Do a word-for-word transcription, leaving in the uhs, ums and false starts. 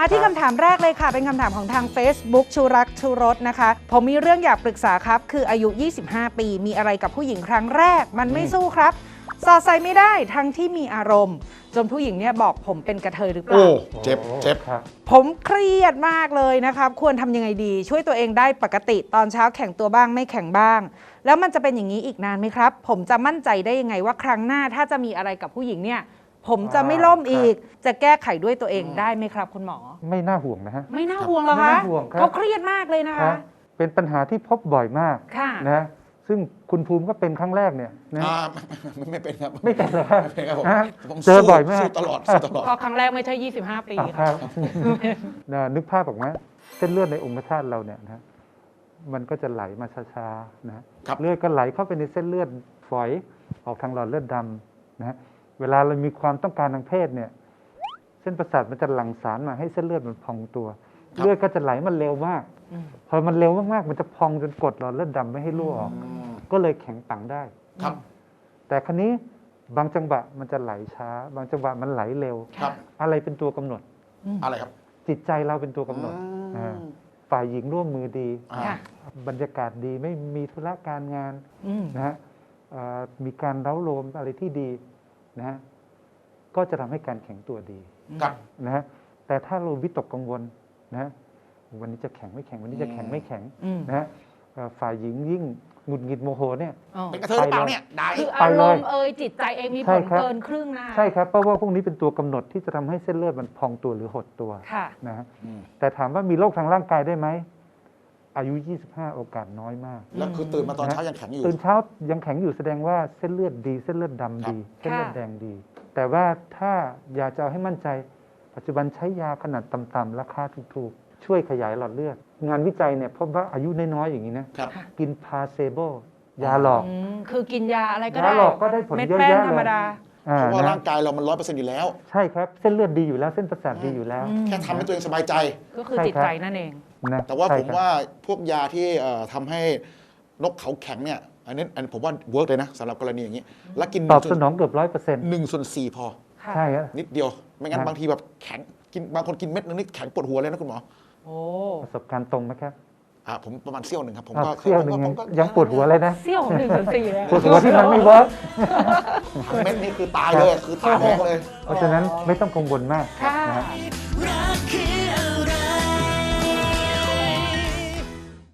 มาที่คำถามแรกเลยค่ะเป็นคำถามของทาง Facebook ชูรักชูรสนะคะผมมีเรื่องอยากปรึกษาครับคืออายุยี่สิบห้าปีมีอะไรกับผู้หญิงครั้งแรกมันไม่สู้ครับสอดใส่ไม่ได้ทั้งที่มีอารมณ์จนผู้หญิงเนี่ยบอกผมเป็นกระเทยหรือเปล่าโอ้เจ็บเจ็บผมเครียดมากเลยนะครับควรทำยังไงดีช่วยตัวเองได้ปกติตอนเช้าแข่งตัวบ้างไม่แข่งบ้างแล้วมันจะเป็นอย่างนี้อีกนานไหมครับผมจะมั่นใจได้ยังไงว่าครั้งหน้าถ้าจะมีอะไรกับผู้หญิงเนี่ยผมจะไม่ล่มอีกจะแก้ไขด้วยตัวเองได้ไหมครับคุณหมอไม่น่าห่วงนะฮะไม่น่าห่วงหรอคะไม่น่าห่วงครับเขาเครียดมากเลยนะคะเป็นปัญหาที่พบบ่อยมากนะซึ่งคุณภูมิก็เป็นครั้งแรกเนี่ยนะไม่ไม่เป็นครับไม่เป็นเลยครับผมเจอบ่อยมากสู้ตลอดสู้ตลอดเพราะครั้งแรกไม่ใช่ยี่สิบห้าปีครับนึกภาพออกไหมเส้นเลือดในองคธาตุเราเนี่ยนะมันก็จะไหลมาช้าๆนะเลือดก็ไหลเข้าไปในเส้นเลือดฝอยออกทางหลอดเลือดดำนะเวลาเรามีความต้องการทางเพศเนี่ยเส้นประสาทมันจะหลั่งสารมาให้เส้นเลือดมันพองตัวเลือดก็จะไหลมันเร็วมากพอมันเร็วมากๆมันจะพองจนกดหลอดเลือดดำไม่ให้รั่วออกก็เลยแข็งปังได้ครับแต่ครั้นี้บางจังหวะมันจะไหลช้าบางจังหวะมันไหลเร็วอะไรเป็นตัวกำหนดอะไรครับจิตใจเราเป็นตัวกำหนดฝ่ายหญิงร่วมมือดีบรรยากาศดีไม่มีธุระการงานนะฮะมีการเร้าโลมอะไรที่ดีนะฮะก็จะทำให้การแข็งตัวดีนะฮะแต่ถ้าเราวิตกกังวลนะวันนี้จะแข็งไม่แข็งวันนี้จะแข็งไม่แข็งนะฮะฝ่ายหญิงยิ่งหงุดหงิดโมโหเนี่ยเป็นกระเทยหรือเปล่าเนี่ยได้คืออารมณ์เอ่ยจิตใจเองมีผลเกินครึ่งนะใช่ครับเพราะว่าพวกนี้เป็นตัวกำหนดที่จะทำให้เส้นเลือดมันพองตัวหรือหดตัวนะฮะแต่ถามว่ามีโรคทางร่างกายได้ไหมอายุยี่สิบห้าโอกาสน้อยมากแล้วคือตื่นมาตอนเช้ายังแข็งอยู่ตื่นเช้ายังแข็งอยู่แสดงว่าเส้นเลือดดีเส้นเลือดดำดีเส้นเลือดแดงดีแต่ว่าถ้าอยากจะเอาให้มั่นใจปัจจุบันใช้ยาขนาดต่ำๆราคาถูกๆช่วยขยายหลอดเลือดงานวิจัยเนี่ยพบว่าอายุน้อยๆอย่างนี้นะกินพาเซโบยาหลอกคือกินยาอะไรก็ได้ยาหลอกก็ได้ผลเยอะแยะเลยเพราะว่าร่างกายเรามันร้อยเปอร์เซ็นต์อยู่แล้วใช่ครับเส้นเลือดดีอยู่แล้วเส้นประสาทดีอยู่แล้วแค่ทำให้ตัวเองสบายใจก็คือจิตใจนั่นเองแต่ว่าผมว่าพวกยาที่ทำให้นกเขาแข็งเนี่ยอันนี้อันผมว่าเวิร์กเลยนะสำหรับกรณีอย่างนี้แล้วกินตอบสนองเกือบร้อยเปอร์เซ็นต์หนึ่งส่วนสี่พอใช่ครับนิดเดียวไม่งั้นบางทีแบบแข็งกินบางคนกินเม็ดนึงนี่แข็งปวดหัวเลยนะคุณหมอโอ้ประสบการณ์ตรงไหมครับอ่าผมประมาณเซี่ยวหนึ่งครับผมก็เซี่ยวหนึ่งยังปวดหัวเลยนะเซี่ยวหนึ่งส่วนสี่ปวดหัวที่มันไม่เวิร์กเม็ดนี้คือตายเลยคือตายแดงเลยเพราะฉะนั้นไม่ต้องกังวลมากนะ